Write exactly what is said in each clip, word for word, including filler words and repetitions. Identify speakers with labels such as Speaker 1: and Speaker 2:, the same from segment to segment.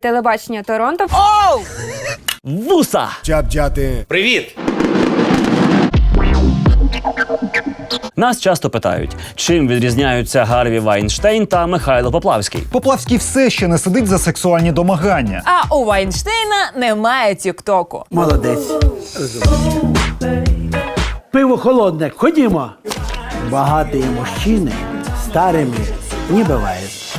Speaker 1: телебачення Торонто.
Speaker 2: Оу! Вуса!
Speaker 3: Чап-чати.
Speaker 2: Привіт! Нас часто питають, чим відрізняються Гарві Вайнштейн та Михайло Поплавський.
Speaker 4: Поплавський все ще не сидить за сексуальні домагання.
Speaker 5: А у Вайнштейна немає тік-току.
Speaker 6: Молодець. Пиво холодне, ходімо. Багаті мужчини старими не бувають.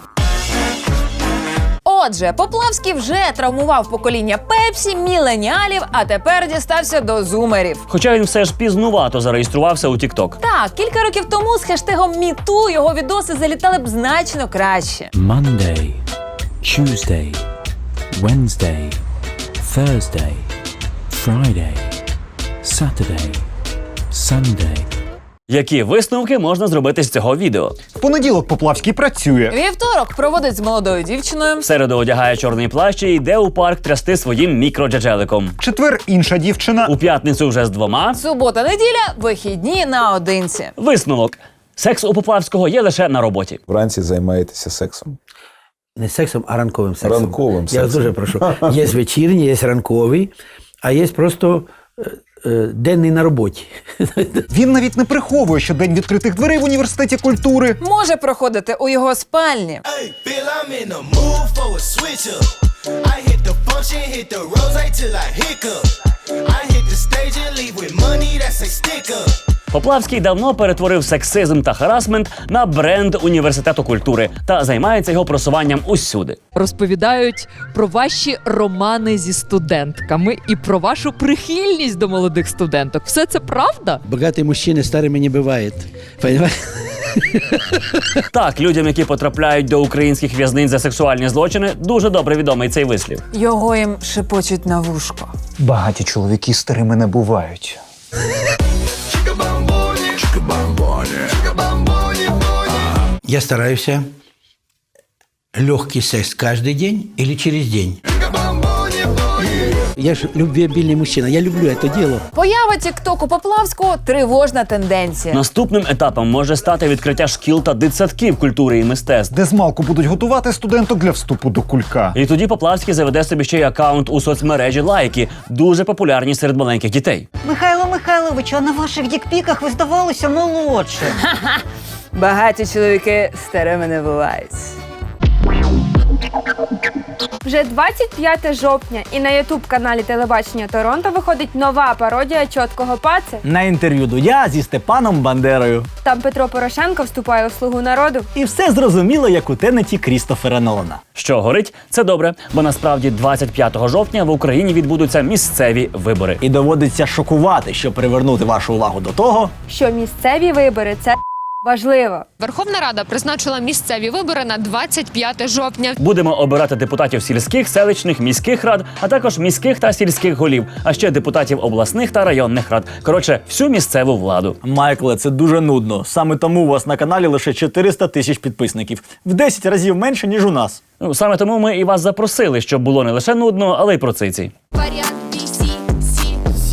Speaker 5: Отже, Поплавський вже травмував покоління Пепсі, міленіалів, а тепер дістався до зумерів.
Speaker 2: Хоча він все ж пізнувато зареєструвався у TikTok.
Speaker 5: Так, кілька років тому з хештегом «Міту» його відоси залітали б значно краще.
Speaker 7: Monday, Tuesday, Wednesday, Thursday, Friday, Saturday, Sunday.
Speaker 2: Які висновки можна зробити з цього відео?
Speaker 4: В понеділок Поплавський працює.
Speaker 5: Вівторок проводить з молодою дівчиною.
Speaker 2: В середу одягає чорний плащ і йде у парк трясти своїм мікроджеджеликом.
Speaker 4: В четвер інша дівчина.
Speaker 2: У п'ятницю вже з двома.
Speaker 5: Субота-неділя – вихідні наодинці.
Speaker 2: Висновок. Секс у Поплавського є лише на роботі.
Speaker 8: Вранці займаєтеся сексом.
Speaker 6: Не сексом, а ранковим сексом.
Speaker 8: Ранковим
Speaker 6: Я
Speaker 8: сексом.
Speaker 6: дуже прошу. Є вечірній, є ранковий, а є просто е, е, денний на роботі.
Speaker 4: Він навіть не приховує, що день відкритих дверей в університеті культури
Speaker 5: Може проходити у його спальні.
Speaker 2: Поплавський давно перетворив сексизм та харасмент на бренд університету культури та займається його просуванням усюди.
Speaker 9: Розповідають про ваші романи зі студентками і про вашу прихильність до молодих студенток. Все це правда?
Speaker 6: Багаті мужчини старими не бувають. Понимаєте?
Speaker 2: Так, людям, які потрапляють до українських в'язниць за сексуальні злочини, дуже добре відомий цей вислів.
Speaker 5: Його їм шепочуть на вушко.
Speaker 4: багаті чоловіки старими не бувають.
Speaker 6: Я стараюся легкий секс каждый день или через день. Я ж любвеобильный мужчина, я люблю это дело.
Speaker 5: Поява тік-току Поплавського – тривожна тенденція.
Speaker 2: Наступним етапом може стати відкриття шкіл та дитсадків культури і мистецтв.
Speaker 4: Де змалку будуть готувати студенток для вступу до кулька.
Speaker 2: І тоді Поплавський заведе собі ще й акаунт у соцмережі «Лайки», дуже популярні серед маленьких дітей.
Speaker 10: Михайло Михайлович, а на ваших дікпіках ви здавалися молодше.
Speaker 5: Багаті чоловіки старими не бувають.
Speaker 1: Вже двадцять п'яте жовтня і на ютуб-каналі телебачення Торонто виходить нова пародія «Чоткого паце».
Speaker 11: На інтерв'ю Дудя зі Степаном Бандерою.
Speaker 1: Там Петро Порошенко вступає у «Слугу народу».
Speaker 11: І все зрозуміло, як у тенеті Крістофера Нолана.
Speaker 2: Що горить, це добре, бо насправді двадцять п'ятого жовтня в Україні відбудуться місцеві вибори.
Speaker 11: І доводиться шокувати, щоб привернути вашу увагу до того,
Speaker 1: Що місцеві вибори – це важливо.
Speaker 12: Верховна Рада призначила місцеві вибори на двадцять п'яте жовтня.
Speaker 2: Будемо обирати депутатів сільських, селищних, міських рад, а також міських та сільських голів, а ще депутатів обласних та районних рад. Коротше, всю місцеву владу.
Speaker 11: Майкле, це дуже нудно. Саме тому у вас на каналі лише чотириста тисяч підписників. В десять разів менше, ніж у нас.
Speaker 2: Ну, саме тому ми і вас запросили, щоб було не лише нудно, але й про циці.
Speaker 12: Варіант Бі Сі Сі.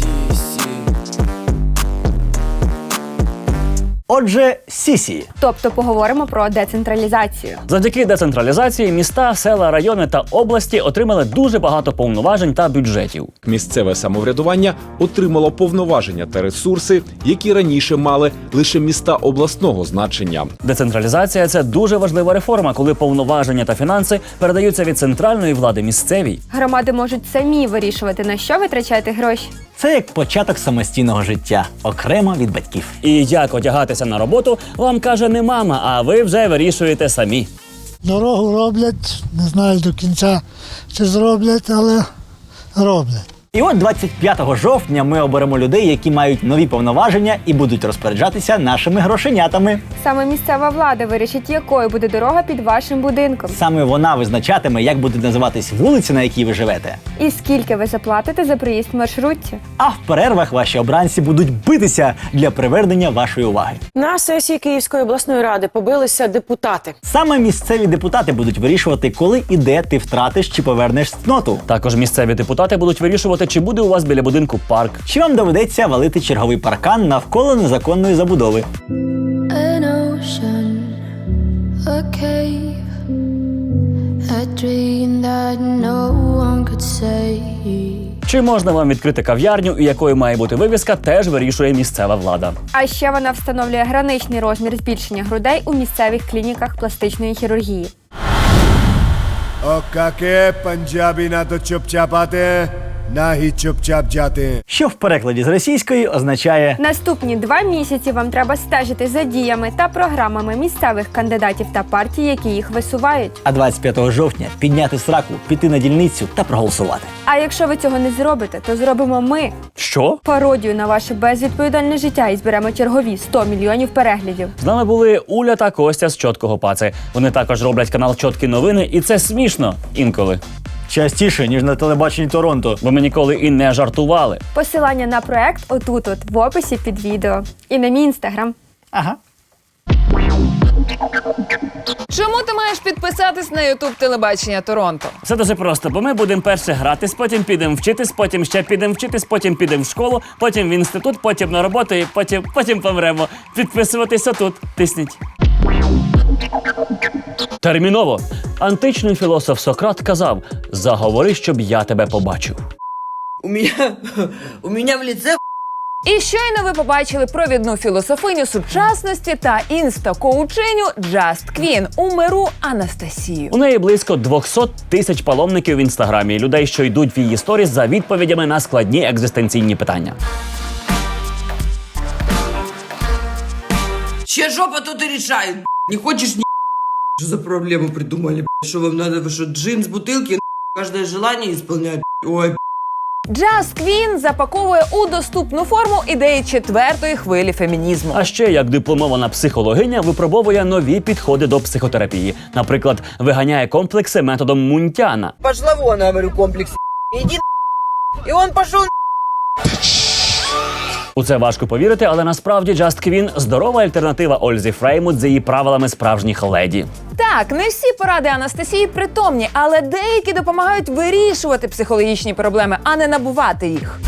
Speaker 11: Отже, сісі.
Speaker 1: Тобто поговоримо про децентралізацію.
Speaker 2: Завдяки децентралізації міста, села, райони та області отримали дуже багато повноважень та бюджетів.
Speaker 13: Місцеве самоврядування отримало повноваження та ресурси, які раніше мали лише міста обласного значення.
Speaker 2: Децентралізація – це дуже важлива реформа, коли повноваження та фінанси передаються від центральної влади місцевій.
Speaker 1: Громади можуть самі вирішувати, на що витрачати гроші.
Speaker 11: Це як початок самостійного життя, окремо від батьків.
Speaker 2: І як одягатися на роботу, вам каже не мама, а ви вже вирішуєте самі.
Speaker 14: Дорогу роблять, не знаю до кінця, чи зроблять, але роблять.
Speaker 11: І от двадцять п'ятого жовтня ми оберемо людей, які мають нові повноваження і будуть розпоряджатися нашими грошенятами.
Speaker 1: Саме місцева влада вирішить, якою буде дорога під вашим будинком.
Speaker 11: Саме вона визначатиме, як буде називатись вулиця, на якій ви живете.
Speaker 1: І скільки ви заплатите за проїзд в маршрутці.
Speaker 11: А в перервах ваші обранці будуть битися для привернення вашої уваги.
Speaker 15: На сесії Київської обласної ради побилися депутати.
Speaker 11: Саме місцеві депутати будуть вирішувати, коли і де ти втратиш чи повернеш цноту.
Speaker 2: Також місцеві депутати будуть вирішувати, чи буде у вас біля будинку парк.
Speaker 11: Чи вам доведеться валити черговий паркан навколо незаконної забудови.
Speaker 16: An ocean, a cave,
Speaker 2: Чи можна вам відкрити кав'ярню, і якою має бути вивіска, теж вирішує місцева влада.
Speaker 1: А ще вона встановлює граничний розмір збільшення грудей у місцевих клініках пластичної хірургії.
Speaker 3: Окаке панджабі на то чоп-чапати, нагі чоп-чап-джати.
Speaker 11: Що в перекладі з російської означає
Speaker 1: Наступні два місяці вам треба стежити за діями та програмами місцевих кандидатів та партій, які їх висувають.
Speaker 11: а двадцять п'ятого жовтня підняти сраку, піти на дільницю та проголосувати.
Speaker 1: А якщо ви цього не зробите, то зробимо ми.
Speaker 2: Що?
Speaker 1: Пародію на ваше безвідповідальне життя і зберемо чергові сто мільйонів переглядів.
Speaker 2: З нами були Уля та Костя з Чоткого Паци. Вони також роблять канал Чоткі новини, і це смішно інколи.
Speaker 11: Частіше, ніж на телебаченні Торонто.
Speaker 2: Бо ми ніколи і не жартували.
Speaker 1: Посилання на проект отут-от в описі під відео. І на мій інстаграм.
Speaker 11: Ага.
Speaker 5: Чому ти маєш підписатись на ютуб телебачення Торонто?
Speaker 2: Все дуже просто, бо ми будемо перше гратись, потім підемо вчитись, потім ще підемо вчитись, потім підемо в школу, потім в інститут, потім на роботу і потім, потім помремо. Підписуватися тут. Тисніть. Терміново. Античний філософ Сократ казав: «Заговори, щоб я тебе побачив».
Speaker 16: У меня, у меня в лице.
Speaker 5: І щойно ви побачили провідну філософиню сучасності та інста-коучиню Just Queen у миру Анастасію.
Speaker 2: У неї близько двісті тисяч паломників в інстаграмі, людей, що йдуть в її сторіс за відповідями на складні екзистенційні питання.
Speaker 16: Чья жопа тут и решает. Не хочешь, не что за проблему придумали? Что вам надо? Вы что, джин с бутылки? Каждое желание исполнять? Ой,
Speaker 5: Just Queen запаковує у доступну форму ідеї четвертої хвилі фемінізму.
Speaker 2: А ще, як дипломована психологиня, випробовує нові підходи до психотерапії. Наприклад, виганяє комплекси методом Мунтяна.
Speaker 16: пошла вон, я говорю, комплекс. Иди и он пошел.
Speaker 2: У це важко повірити, але насправді Just Queen – здорова альтернатива Ользі Фреймут з її правилами справжніх леді.
Speaker 5: Так, не всі поради Анастасії притомні, але деякі допомагають вирішувати психологічні проблеми, а не набувати їх.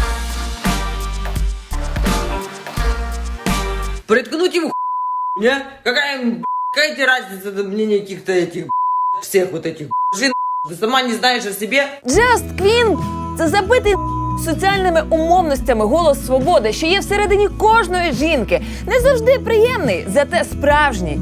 Speaker 16: Приткнуть его не? Какая, какая тебе разница до мнения каких-то этих всех вот этих жен? Ты сама не знаешь о себе?
Speaker 5: Just Queen – це забитий соціальними умовностями голос свободи, що є всередині кожної жінки. Не завжди приємний, зате справжній.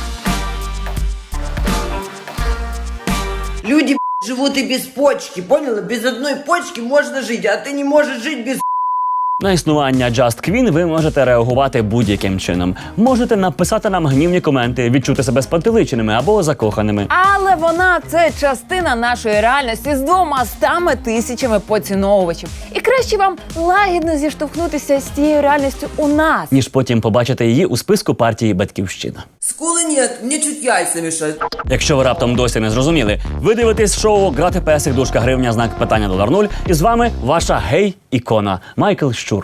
Speaker 16: Люди живут и без почки, поняла? Без одной почки можно жить, а ты не можешь жить без.
Speaker 2: На існування Just Queen ви можете реагувати будь-яким чином. Можете написати нам гнівні коменти, відчути себе спантеличеними або закоханими.
Speaker 5: Але вона – це частина нашої реальності з двома стами тисячами поціновувачів. І краще вам лагідно зіштовхнутися з тією реальністю у нас.
Speaker 2: Ніж потім побачити її у списку партії «Батьківщина».
Speaker 16: Скулы нет, мне чуть яйца мешают.
Speaker 2: Якщо ви раптом досі не зрозуміли, ви дивитесь шоу «Грати песик, дужка гривня, знак питання долар нуль». І з вами ваша гей-ікона Майкл Щур.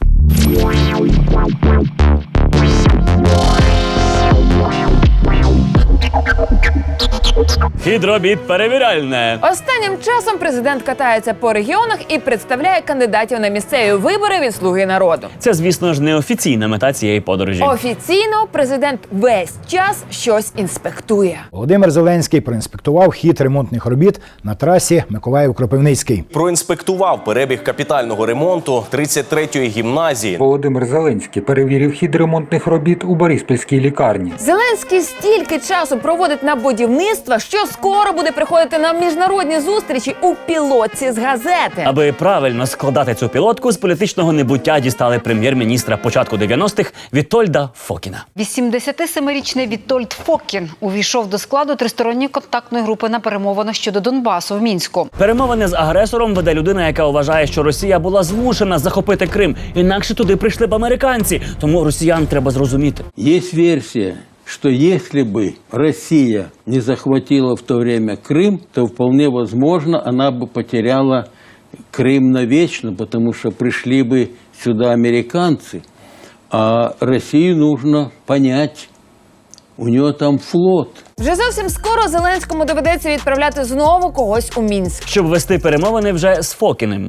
Speaker 2: Хідробіт перевіряльне.
Speaker 5: Останнім часом президент катається по регіонах і представляє кандидатів на місцеві вибори від «Слуги народу».
Speaker 2: Це, звісно ж, неофіційна мета цієї подорожі.
Speaker 5: Офіційно президент весь час щось інспектує.
Speaker 17: Володимир Зеленський проінспектував хід ремонтних робіт на трасі Миколаїв-Кропивницький.
Speaker 18: Проінспектував перебіг капітального ремонту тридцять третьої гімназії.
Speaker 19: Володимир Зеленський перевірив хід ремонтних робіт у Бориспільській лікарні.
Speaker 5: Зеленський стільки часу проводить на будівництво, що скоро буде приходити на міжнародні зустрічі у пілотці з газети.
Speaker 2: Аби правильно складати цю пілотку, з політичного небуття дістали прем'єр-міністра початку дев'яностих Вітольда Фокіна.
Speaker 20: вісімдесятисемирічний Вітольд Фокін увійшов до складу тристоронньої контактної групи на перемовинах щодо Донбасу в Мінську.
Speaker 2: Перемовини з агресором веде людина, яка вважає, що Росія була змушена захопити Крим. Інакше туди прийшли б американці. Тому росіян треба зрозуміти.
Speaker 21: Є версія, что если бы Россия не захватила в то время Крым, то вполне возможно она бы потеряла Крым навечно, потому что пришли бы сюда американцы. А Россию нужно понять, у нее там флот.
Speaker 5: Вже зовсім скоро Зеленському доведеться відправляти знову когось у Мінськ.
Speaker 2: Щоб вести перемовини вже з Фокіним.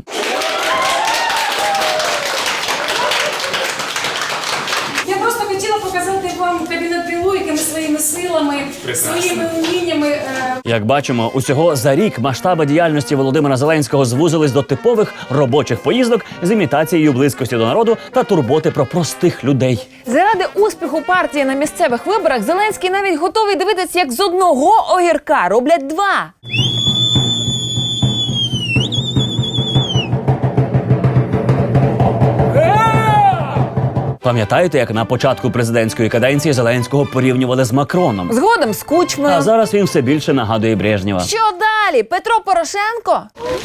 Speaker 22: Я просто хотіла показати вам кабінет Білуйки своїми силами.
Speaker 7: силами, своїми уміннями. Е...
Speaker 2: Як бачимо, усього за рік масштаби діяльності Володимира Зеленського звузились до типових робочих поїздок з імітацією близькості до народу та турботи про простих людей.
Speaker 5: Заради успіху партії на місцевих виборах Зеленський навіть готовий дивитися, як з одного огірка роблять два.
Speaker 2: Пам'ятаєте, як на початку президентської каденції Зеленського порівнювали з Макроном?
Speaker 5: Згодом з Кучмою.
Speaker 2: А зараз він все більше нагадує Брежнєва.
Speaker 5: Що далі? Петро Порошенко?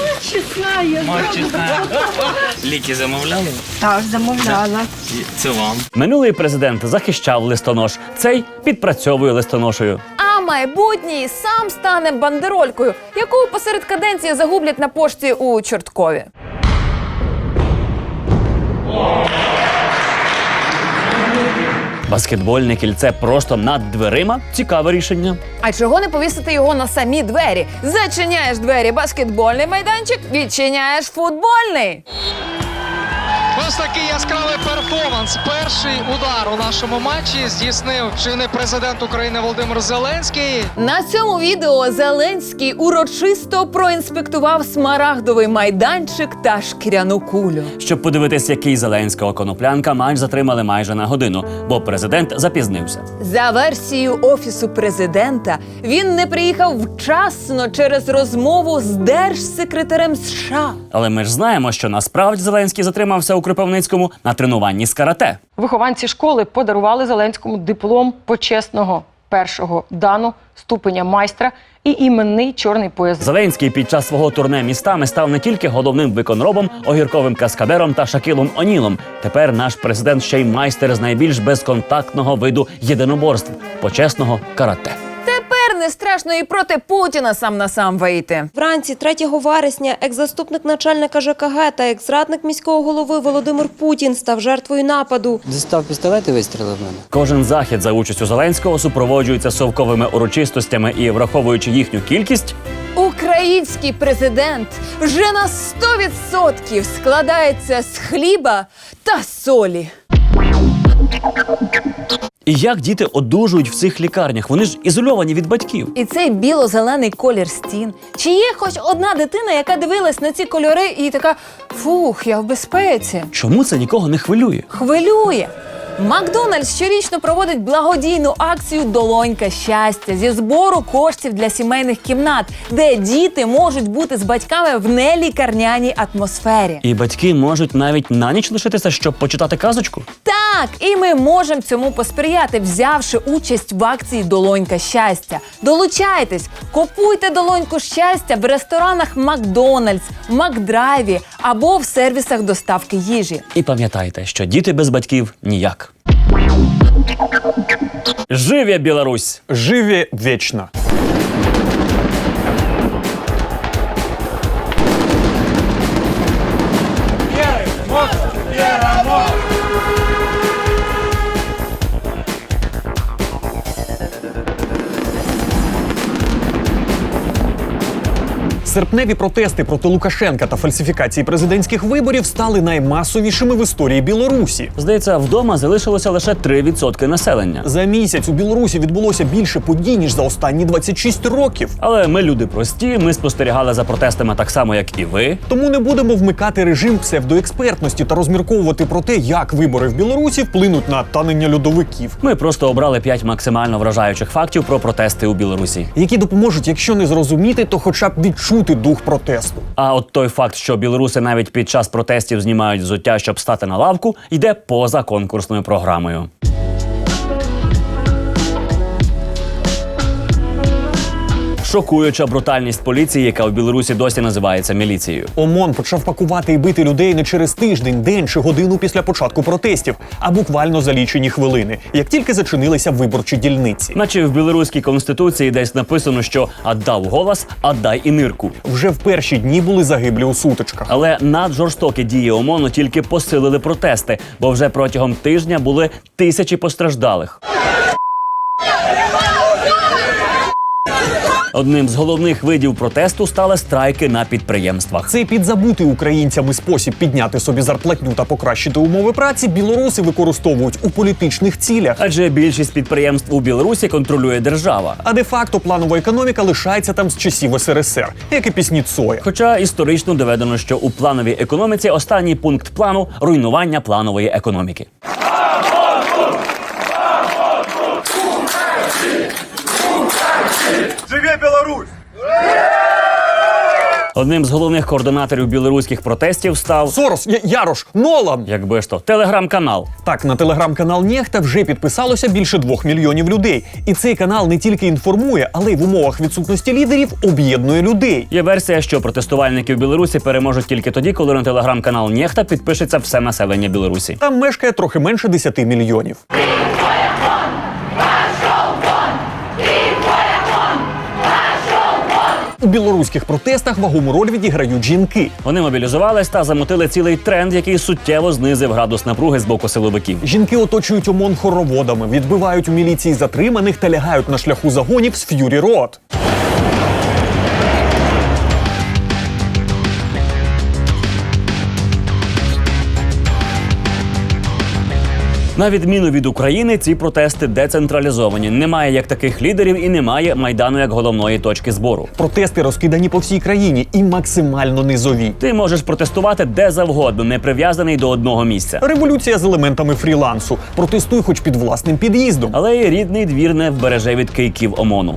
Speaker 2: Ліки замовляли?
Speaker 1: Так, замовляла.
Speaker 2: Це вам. Минулий президент захищав листонож, цей підпрацьовує листоношею.
Speaker 5: А майбутній сам стане бандеролькою, яку посеред каденції загублять на пошті у Чорткові.
Speaker 2: Баскетбольне кільце просто над дверима – цікаве рішення.
Speaker 5: А чого не повісити його на самі двері? Зачиняєш двері баскетбольний майданчик, відчиняєш футбольний.
Speaker 22: Ось такий яскравий перформанс. Перший удар у нашому матчі здійснив чинний президент України Володимир Зеленський.
Speaker 5: На цьому відео Зеленський урочисто проінспектував смарагдовий майданчик та шкіряну кулю.
Speaker 2: Щоб подивитись, який Зеленського коноплянка, матч затримали майже на годину, бо президент запізнився.
Speaker 5: За версією Офісу президента, він не приїхав вчасно через розмову з держсекретарем США.
Speaker 2: Але ми ж знаємо, що насправді Зеленський затримався у Кропивницькому на тренуванні з карате.
Speaker 15: Вихованці школи подарували Зеленському диплом почесного першого дану, ступеня майстра і іменний чорний пояс.
Speaker 2: Зеленський під час свого турне містами став не тільки головним виконробом, огірковим каскадером та Шакілом Онілом. Тепер наш президент ще й майстер з найбільш безконтактного виду єдиноборств – почесного карате.
Speaker 5: Тепер не страшно і проти Путіна сам на сам вийти.
Speaker 23: Вранці третього вересня екс-заступник начальника ЖКГ та екс-радник міського голови Володимир Путін став жертвою нападу.
Speaker 24: Дістав пістолет і вистрілив в мене.
Speaker 2: Кожен захід за участю Зеленського супроводжується совковими урочистостями і, враховуючи їхню кількість,
Speaker 5: український президент вже на сто відсотків складається з хліба та солі.
Speaker 2: І як діти одужують в цих лікарнях? Вони ж ізольовані від батьків.
Speaker 5: І цей біло-зелений колір стін. Чи є хоч одна дитина, яка дивилась на ці кольори і така «фух, я в безпеці»?
Speaker 2: Чому це нікого не хвилює?
Speaker 5: Хвилює! Макдональдс щорічно проводить благодійну акцію «Долонька щастя» зі збору коштів для сімейних кімнат, де діти можуть бути з батьками в нелікарняній атмосфері.
Speaker 2: І батьки можуть навіть на ніч лишитися, щоб почитати казочку?
Speaker 5: Так, і ми можемо цьому посприяти, взявши участь в акції «Долонька щастя». Долучайтесь, купуйте «Долоньку щастя» в ресторанах Макдональдс, Макдрайві або в сервісах доставки їжі.
Speaker 2: І пам'ятайте, що діти без батьків – ніяк. Живе Білорусь!
Speaker 25: Живе вечно!
Speaker 26: Серпневі протести проти Лукашенка та фальсифікації президентських виборів стали наймасовішими в історії Білорусі.
Speaker 2: Здається, вдома залишилося лише три відсотки населення.
Speaker 26: За місяць у Білорусі відбулося більше подій, ніж за останні двадцять шість років.
Speaker 2: Але ми люди прості, ми спостерігали за протестами так само, як і ви.
Speaker 26: Тому не будемо вмикати режим псевдоекспертності та розмірковувати про те, як вибори в Білорусі вплинуть на танення льодовиків.
Speaker 2: Ми просто обрали п'ять максимально вражаючих фактів про протести у Білорусі.
Speaker 26: Які допоможуть, якщо не зрозуміти, то хоча б відчути дух протесту.
Speaker 2: А от той факт, що білоруси навіть під час протестів знімають взуття, щоб стати на лавку, йде поза конкурсною програмою. Шокуюча брутальність поліції, яка в Білорусі досі називається міліцією.
Speaker 26: ОМОН почав пакувати і бити людей не через тиждень, день чи годину після початку протестів, а буквально за лічені хвилини, як тільки зачинилися виборчі дільниці.
Speaker 2: Наче в білоруській конституції десь написано, що «отдав голос, отдай і нирку».
Speaker 26: Вже в перші дні були загиблі у сутичках.
Speaker 2: Але наджорстокі дії ОМОНу тільки посилили протести, бо вже протягом тижня були тисячі постраждалих. Одним з головних видів протесту стали страйки на підприємствах.
Speaker 26: Цей підзабутий українцями спосіб підняти собі зарплатню та покращити умови праці білоруси використовують у політичних цілях.
Speaker 2: Адже більшість підприємств у Білорусі контролює держава.
Speaker 26: А де-факто планова економіка лишається там з часів ес ер ес ер, як і пісні Цоя.
Speaker 2: Хоча історично доведено, що у плановій економіці останній пункт плану – руйнування планової економіки.
Speaker 3: Живе Білорусь!
Speaker 2: Одним з головних координаторів білоруських протестів став
Speaker 26: Сорос, Я- Ярош, Нолан!
Speaker 2: Якби ж то, телеграм-канал.
Speaker 26: Так, на телеграм-канал Нєхта вже підписалося більше двох мільйонів людей. І цей канал не тільки інформує, але й в умовах відсутності лідерів об'єднує людей.
Speaker 2: Є версія, що протестувальники в Білорусі переможуть тільки тоді, коли на телеграм-канал Нєхта підпишеться все населення Білорусі.
Speaker 26: Там мешкає трохи менше десяти мільйонів. У білоруських протестах вагому роль відіграють жінки.
Speaker 2: Вони мобілізувались та замотили цілий тренд, який суттєво знизив градус напруги з боку силовиків.
Speaker 26: Жінки оточують ОМОН хороводами, відбивають у міліції затриманих та лягають на шляху загонів з Ф'юрі Род.
Speaker 2: На відміну від України, ці протести децентралізовані. Немає як таких лідерів і немає Майдану як головної точки збору.
Speaker 26: Протести розкидані по всій країні і максимально низові.
Speaker 2: Ти можеш протестувати де завгодно, не прив'язаний до одного місця.
Speaker 26: Революція з елементами фрілансу. Протестуй хоч під власним під'їздом.
Speaker 2: Але й рідний двір не вбереже від кийків ОМОНу.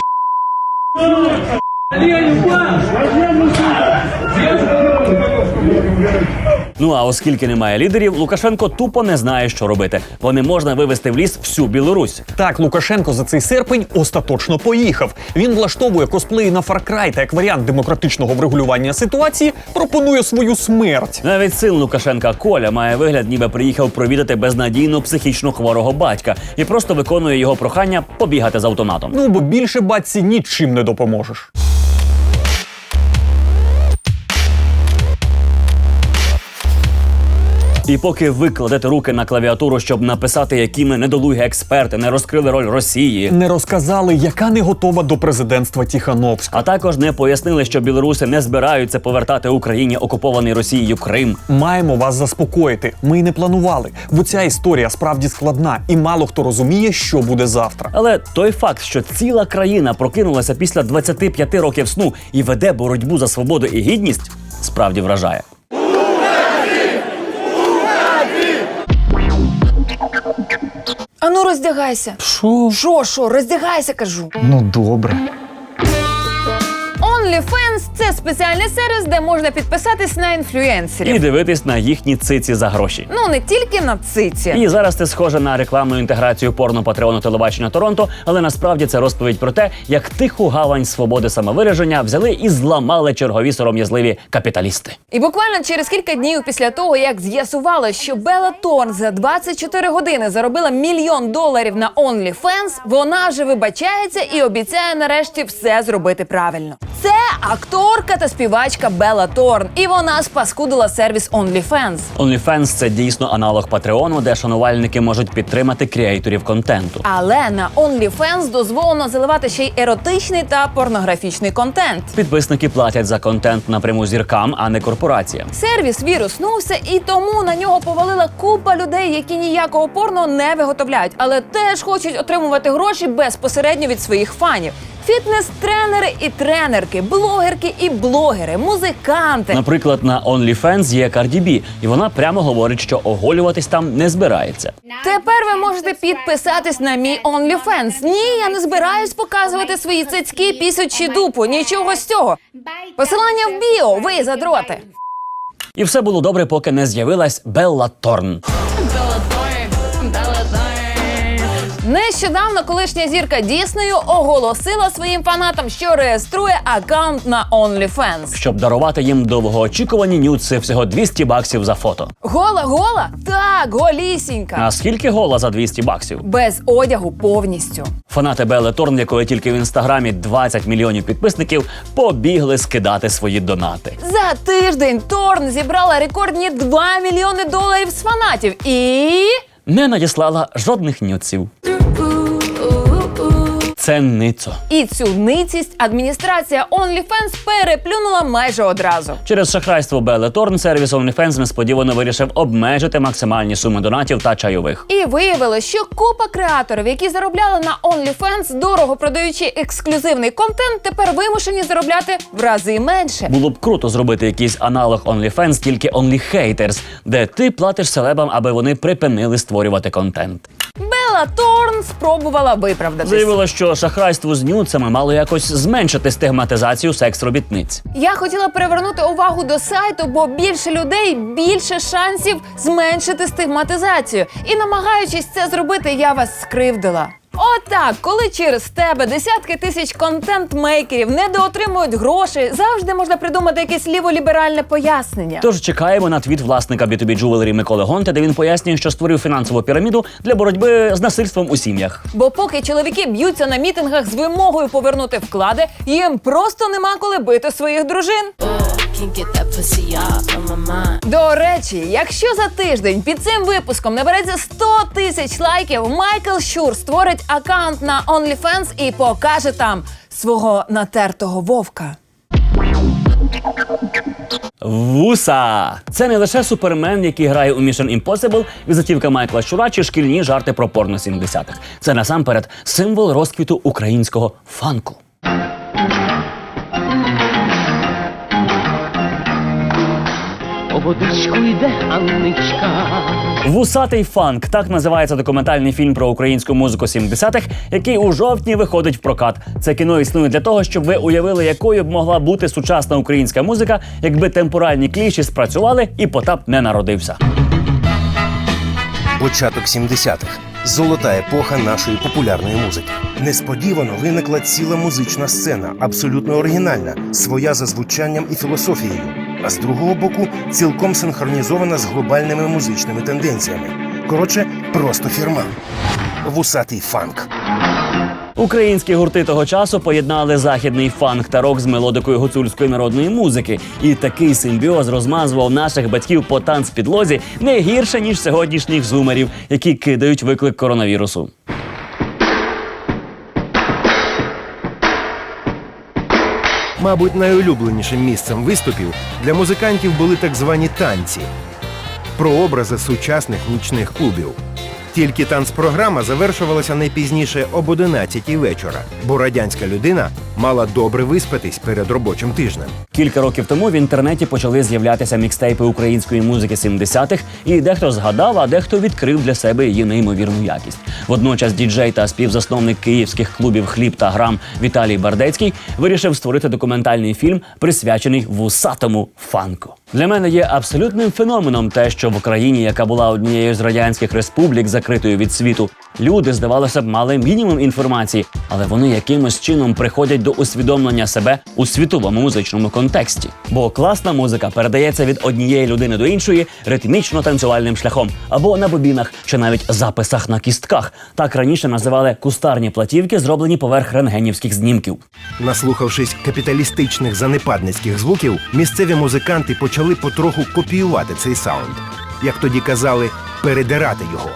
Speaker 2: Ну а оскільки немає лідерів, Лукашенко тупо не знає, що робити, бо не можна вивести в ліс всю Білорусь.
Speaker 26: Так, Лукашенко за цей серпень остаточно поїхав. Він влаштовує косплеї на Far Cry та як варіант демократичного врегулювання ситуації пропонує свою смерть.
Speaker 2: Навіть син Лукашенка Коля має вигляд, ніби приїхав провідати безнадійно психічно хворого батька і просто виконує його прохання побігати з автоматом.
Speaker 26: Ну, бо більше батьці нічим не допоможеш.
Speaker 2: І поки ви кладете руки на клавіатуру, щоб написати, які ми недолугі експерти не розкрили роль Росії,
Speaker 26: не розказали, яка не готова до президентства Тихановська,
Speaker 2: а також не пояснили, що білоруси не збираються повертати Україні окупований Росією Крим,
Speaker 26: маємо вас заспокоїти. Ми й не планували, бо ця історія справді складна і мало хто розуміє, що буде завтра.
Speaker 2: Але той факт, що ціла країна прокинулася після двадцяти п'яти років сну і веде боротьбу за свободу і гідність, справді вражає.
Speaker 5: Ану, роздягайся.
Speaker 26: Що?
Speaker 5: Що, що? Роздягайся, кажу.
Speaker 26: Ну, добре.
Speaker 5: OnlyFans – це спеціальний сервіс, де можна підписатись на інфлюенсерів.
Speaker 2: І дивитись на їхні циці за гроші.
Speaker 5: Ну, не тільки на циці.
Speaker 2: І зараз це схоже на рекламну інтеграцію порно-патреону телебачення Торонто, але насправді це розповідь про те, як тиху гавань свободи самовираження взяли і зламали чергові сором'язливі капіталісти.
Speaker 5: І буквально через кілька днів після того, як з'ясували, що Белла Торн за двадцять чотири години заробила мільйон доларів на OnlyFans, вона вже вибачається і обіцяє нарешті все зробити правильно. Це акторка та співачка Белла Торн, і вона спаскудила сервіс OnlyFans.
Speaker 2: OnlyFans – це дійсно аналог Патреону, де шанувальники можуть підтримати креаторів контенту.
Speaker 5: Але на OnlyFans дозволено заливати ще й еротичний та порнографічний контент.
Speaker 2: Підписники платять за контент напряму зіркам, а не корпораціям.
Speaker 5: Сервіс віруснувся, і тому на нього повалила купа людей, які ніякого порно не виготовляють, але теж хочуть отримувати гроші безпосередньо від своїх фанів. Фітнес-тренери і тренерки, блогерки і блогери, музиканти.
Speaker 2: Наприклад, на OnlyFans є Карді Бі, і вона прямо говорить, що оголюватись там не збирається.
Speaker 5: Тепер ви можете підписатись на мій OnlyFans. Ні, я не збираюсь показувати свої цицьки, пісю чи дупу, нічого з цього. Посилання в біо, ви задроти.
Speaker 2: І все було добре, поки не з'явилась Белла Торн.
Speaker 5: Нещодавно колишня зірка Діснею оголосила своїм фанатам, що реєструє аккаунт на OnlyFans.
Speaker 2: Щоб дарувати їм довгоочікувані нюци всього двісті баксів за фото.
Speaker 5: Гола-гола? Так, голісінька.
Speaker 2: А скільки гола за двісті баксів?
Speaker 5: Без одягу повністю.
Speaker 2: Фанати Белли Торн, якої тільки в інстаграмі двадцять мільйонів підписників, побігли скидати свої донати.
Speaker 5: За тиждень Торн зібрала рекордні два мільйони доларів з фанатів і...
Speaker 2: не надіслала жодних нюців. Це ницо.
Speaker 5: І цю ницість адміністрація OnlyFans переплюнула майже одразу.
Speaker 2: Через шахрайство Белли Торн сервіс OnlyFans несподівано вирішив обмежити максимальні суми донатів та чайових.
Speaker 5: І виявилось, що купа креаторів, які заробляли на OnlyFans, дорого продаючи ексклюзивний контент, тепер вимушені заробляти в рази менше.
Speaker 2: Було б круто зробити якийсь аналог OnlyFans, тільки OnlyHaters, де ти платиш селебам, аби вони припинили створювати контент.
Speaker 5: Белла Торн спробувала виправдатись.
Speaker 2: Заявила, що шахрайство з нюцами мало якось зменшити стигматизацію секс-робітниць.
Speaker 5: Я хотіла привернути увагу до сайту, бо більше людей, більше шансів зменшити стигматизацію. І намагаючись це зробити, я вас скривдила. Отак, коли через тебе десятки тисяч контент-мейкерів недоотримують гроші, завжди можна придумати якесь ліволіберальне пояснення.
Speaker 2: Тож чекаємо на твіт власника бі ту бі Jewelry Миколи Гонти, де він пояснює, що створив фінансову піраміду для боротьби з насильством у сім'ях.
Speaker 5: Бо поки чоловіки б'ються на мітингах з вимогою повернути вклади, їм просто нема коли бити своїх дружин. До речі, якщо за тиждень під цим випуском набереться сто тисяч лайків, Майкл Щур створить аккаунт на OnlyFans і покаже там свого натертого вовка.
Speaker 2: Вуса! Це не лише супермен, який грає у Mission Impossible, візитівка Майкла Щура чи шкільні жарти про порно сімдесятих. Це насамперед символ розквіту українського фанку.
Speaker 4: По водичку йде Анничка.
Speaker 2: «Вусатий фанк» – так називається документальний фільм про українську музику сімдесятих, який у жовтні виходить в прокат. Це кіно існує для того, щоб ви уявили, якою б могла бути сучасна українська музика, якби темпоральні кліші спрацювали і Потап не народився.
Speaker 6: Початок сімдесятих. Золота епоха нашої популярної музики. Несподівано виникла ціла музична сцена, абсолютно оригінальна, своя за звучанням і філософією. А з другого боку, цілком синхронізована з глобальними музичними тенденціями. Коротше, просто фірма. Вусатий фанк.
Speaker 2: Українські гурти того часу поєднали західний фанк та рок з мелодикою гуцульської народної музики. І такий симбіоз розмазував наших батьків по танцпідлозі не гірше, ніж сьогоднішніх зумерів, які кидають виклик коронавірусу.
Speaker 6: Мабуть, найулюбленішим місцем виступів для музикантів були так звані танці. Прообрази сучасних нічних клубів. Тільки танцпрограма завершувалася не пізніше об одинадцятій вечора, бо радянська людина мала добре виспатись перед робочим тижнем.
Speaker 2: Кілька років тому в інтернеті почали з'являтися мікстейпи української музики сімдесятих, і дехто згадав, а дехто відкрив для себе її неймовірну якість. Водночас діджей та співзасновник київських клубів «Хліб» та «Грам» Віталій Бардецький вирішив створити документальний фільм, присвячений вусатому фанку. Для мене є абсолютним феноменом те, що в Україні, яка була однією з радянських республік, закритою від світу, люди, здавалося б, мали мінімум інформації, але вони якимось чином приходять до усвідомлення себе у світовому музичному контексті. Бо класна музика передається від однієї людини до іншої ритмічно-танцювальним шляхом, або на бобінах, чи навіть записах на кістках. Так раніше називали кустарні платівки, зроблені поверх рентгенівських знімків.
Speaker 6: Наслухавшись капіталістичних занепадницьких звуків, місцеві музиканти почали потроху копіювати цей саунд. Як тоді казали, передирати його.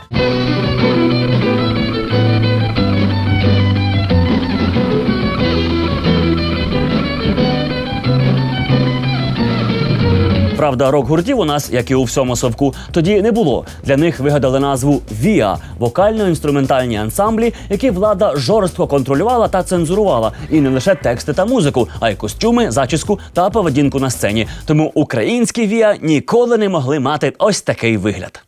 Speaker 2: Правда, рок-гуртів у нас, як і у всьому совку, тоді не було. Для них вигадали назву «Віа» – вокально-інструментальні ансамблі, які влада жорстко контролювала та цензурувала. І не лише тексти та музику, а й костюми, зачіску та поведінку на сцені. Тому українські «Віа» ніколи не могли мати ось такий вигляд.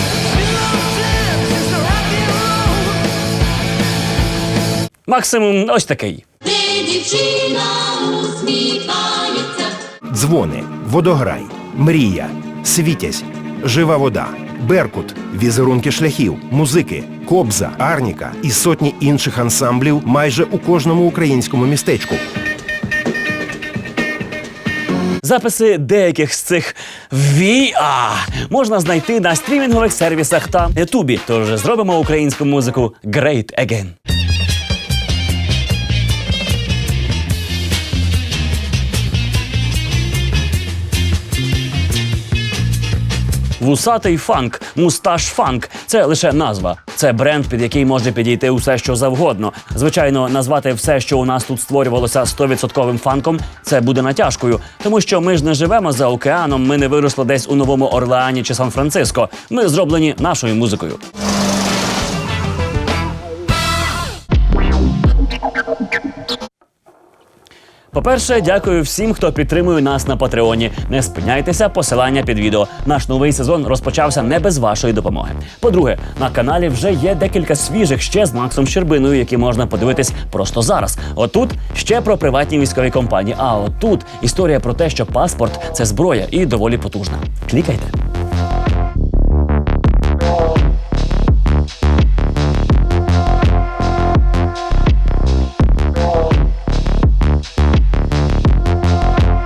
Speaker 2: Максимум ось такий.
Speaker 6: Дзвони, водограй, мрія, світязь, жива вода, беркут, візерунки шляхів, музики, кобза, арніка і сотні інших ансамблів майже у кожному українському містечку.
Speaker 2: Записи деяких з цих «Віа» можна знайти на стрімінгових сервісах та ютубі. Тож зробимо українську музику great again. Вусатий фанк, мусташ фанк – це лише назва. Це бренд, під який може підійти усе, що завгодно. Звичайно, назвати все, що у нас тут створювалося сто відсотків фанком – це буде натяжкою. Тому що ми ж не живемо за океаном, ми не виросли десь у Новому Орлеані чи Сан-Франциско. Ми зроблені нашою музикою. По-перше, дякую всім, хто підтримує нас на Патреоні. Не спиняйтеся, посилання під відео. Наш новий сезон розпочався не без вашої допомоги. По-друге, на каналі вже є декілька свіжих ще з Максом Щербиною, які можна подивитись просто зараз. Отут ще про приватні військові компанії, а отут історія про те, що паспорт – це зброя і доволі потужна. Клікайте.